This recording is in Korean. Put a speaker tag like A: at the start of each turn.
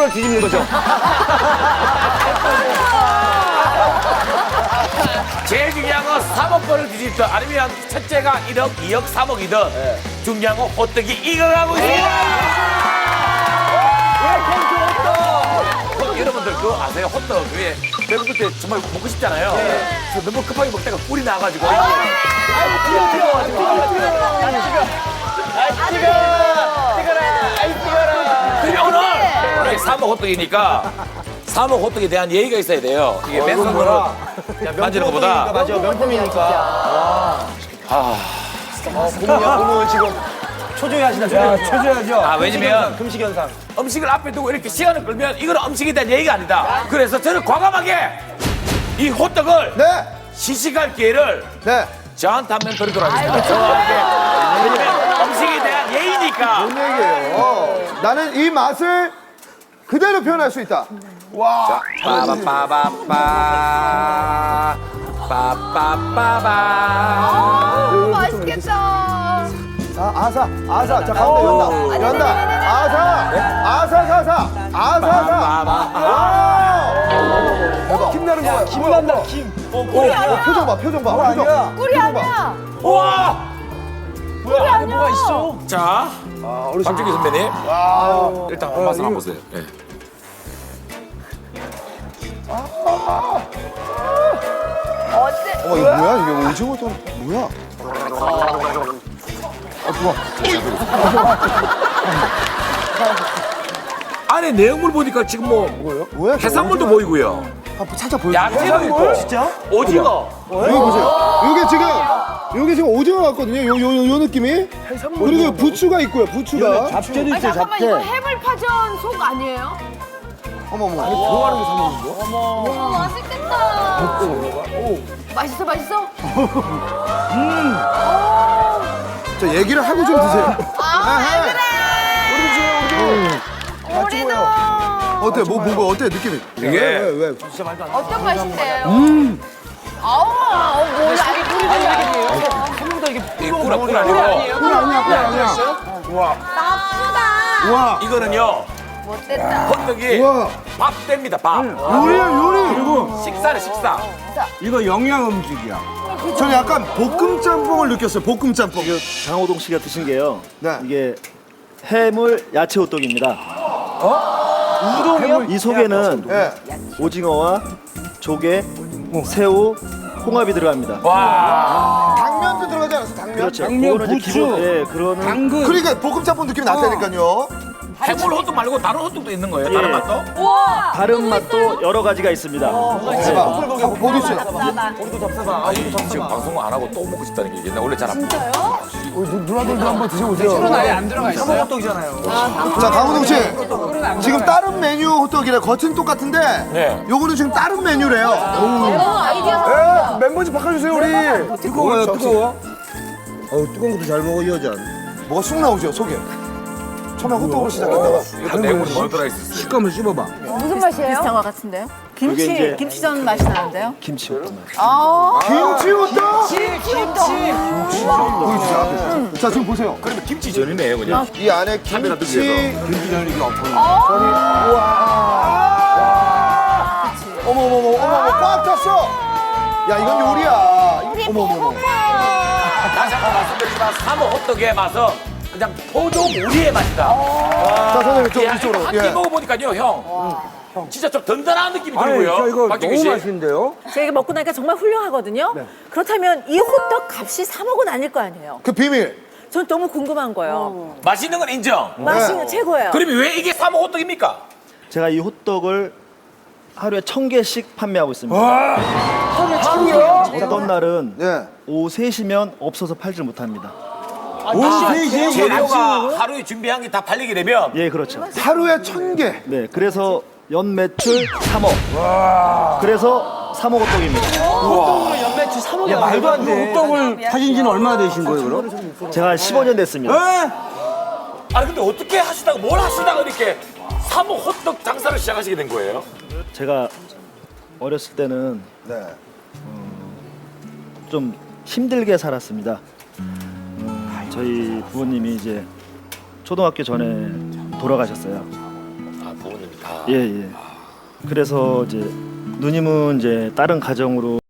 A: 3억권을 뒤집는 거죠.
B: 제일 중요한 건 3억권을 뒤집든 아니면 첫째가 1억, 2억, 3억이든 중요한 건 호떡이 이겨가고 있습니다. 여러분들 그거 아세요? 호떡 위에 배고플 때 정말 먹고 싶잖아요. 그래서 너무 급하게 먹다가 꿀이 나가지고 그래 오늘 3억 호떡이니까 3억 호떡에 대한 예의가 있어야 돼요. 이게 맨손으로 만지는 것보다.
A: 맞아, 명품이니까. 고모는 지금 초조해하시다. 초조하죠.
B: 아, 왜냐면
A: 금식 현상.
B: 음식을 앞에 두고 이렇게 시간을 끌면 이건 음식에 대한 예의가 아니다. 그래서 저는 과감하게 이 호떡을
C: 네.
B: 시식할 기회를
C: 네.
B: 저한테 한번 드리도록 하겠습니다. 저한테. 왜냐면 음식에 대한 예의니까.
C: 뭔 얘기예요? 나는 이 맛을 그대로 표현할 수 있다. 와.
B: 빠바빠바빠 빠빠빠바.
D: 맛있겠다.
C: 아사. 자, 가운데 연다. 아사. 대박. 김나는 거야.
A: 김난다, 김.
C: 표정 봐. 표정.
D: 꿀이 아니야.
B: 우와!
D: 꿀이 아니야.
A: 뭐가 있어?
B: 자, 박준기 선배님. 일단 한 맛을 한번 보세요. 네.
D: 어때?
C: 어머, 이거 뭐야? 이게 오징어 또 뭐야?
B: 안에 내용물 보니까 지금 뭐
C: 뭐야?
B: 해산물도 보이고요.
C: 살짝 보여줘.
B: 야채도 있고.
A: 진짜?
B: 오징어.
C: 여기 보세요. 요게 지금 오징어 같거든요. 요 느낌이. 그리고 부추가 있고요. 부추가.
A: 잡채도
D: 아니,
A: 있어요,
D: 잠깐만
A: 잡채.
D: 이거 해물파전 속 아니에요?
C: 어머.
A: 좋아하는 거 사 먹는 거?
D: 맛있겠다. 맛있어.
C: 자, 얘기를 하고 좀 드세요.
D: 우리도
C: 어때? 뭐가 어때? 느낌이?
B: 이게
C: 왜?
D: 어떤 맛인데요? 아우 뭐야?
B: 이 꿀 아니고.
C: 아니야.
D: 나쁘다.
C: 와.
B: 이거는요.
D: 못됐다.
B: 호떡이
C: 와.
B: 밥됩니다. 밥.
C: 요리야. 그리고
B: 식사는 식사.
A: 이거 영양 음식이야.
C: 저는 약간 볶음 짬뽕을 느꼈어요. 볶음 짬뽕.
E: 장호동 씨가 드신 게요.
C: 네.
E: 이게 해물 야채 호떡입니다.
A: 우동이요?
E: 이 속에는
C: 예.
E: 오징어와 조개, 새우, 홍합이 들어갑니다.
B: 와.
C: 당면도 들어가지 않았어? 당면?
E: 그렇죠.
A: 당면,
E: 그거는 이제
A: 부추,
E: 기본, 예, 그러는
A: 당근.
C: 그러니까 볶음 짬뽕 느낌이 났다니까요.
B: 해물 호떡 말고 다른 호떡도 있는 거예요? 다른
E: 예.
B: 맛도?
D: 우와.
E: 다른 맛도 여러 가지가 있습니다.
C: 대박. 보여주세요.
B: 아, 지금 방송 안 하고 또 먹고 싶다는 게 옛날 원래 잘 안 먹어요.
C: 누나들도 한번 드셔보세요.
A: 아예 안 들어가 있어요. 삼호떡이잖아요.
C: 자, 강호동 씨. 지금 다른 메뉴 호떡이래. 겉은 똑같은데
B: 네.
C: 요거는 지금 다른 메뉴래요.
D: 아이디어
C: 멤버 좀 바꿔주세요, 우리.
A: 뜨거워요, 뜨거워. 뜨거운 것도 잘 먹어, 이 여자.
C: 뭐가 쑥 나오죠, 속에. 처음에 호떡으로 시작했다가.
B: 이거 내용물이 뭐 들어있어?
A: 식감을 씹어봐.
D: 무슨 맛이에요?
F: 비슷한 것 같은데요?
E: 이게 이제
F: 김치전 맛이 나는데요?
E: 김치 호떡.
C: 김치 호떡?
D: 우와.
C: 자, 지금 보세요.
B: 그러면 김치전이네요, 그냥.
C: 이 안에
B: 카메라
C: 김치.
B: 뜨기에서.
A: 김치전이 이게 없어.
C: 어머, 꽉 탔어. 야, 이건 요리야. 어머.
B: 다시 한번 말씀드리지만 삼호 호떡의 맛은 그냥 포도무리의 맛이다.
C: 자, 선생님, 좀
B: 야,
C: 이쪽으로.
B: 한끼 먹어보니까요, 형. 진짜 좀 든든한 느낌이
A: 아니,
B: 들고요.
A: 저 이거
B: 박경규
A: 너무
B: 씨.
A: 맛있는데요?
F: 제가 먹고 나니까 정말 훌륭하거든요? 그렇다면 이 호떡 값이 3억은 아닐 거 아니에요?
C: 그 비밀.
F: 전 너무 궁금한 거예요.
B: 맛있는 건 인정.
F: 맛이 최고예요.
B: 그러면 왜 이게 삼호 호떡입니까?
E: 제가 이 호떡을 하루에 1000개씩 판매하고 있습니다. 어떤 날은
C: 예.
E: 오후 3시면 없어서 팔질 못합니다.
B: 재료가 하루에 준비한 게 다 팔리게 되면
E: 예, 그렇죠.
C: 하루에 1000개.
E: 네, 그래서 연 매출 3억. 그래서 3억 호떡입니다.
A: 야, 말도 안 돼. 호떡을 타신 지는 얼마나 되신 거예요, 그럼?
E: 제가 한 15년 됐습니다.
B: 아니 근데 어떻게 하시다가 뭘 하시다가 이렇게 삼호 호떡 장사를 시작하시게 된 거예요?
E: 제가 어렸을 때는
C: 네.
E: 좀 힘들게 살았습니다. 저희 부모님이 이제 초등학교 전에 돌아가셨어요.
B: 아 부모님이
E: 예, 예. 그래서 이제 누님은 이제 다른 가정으로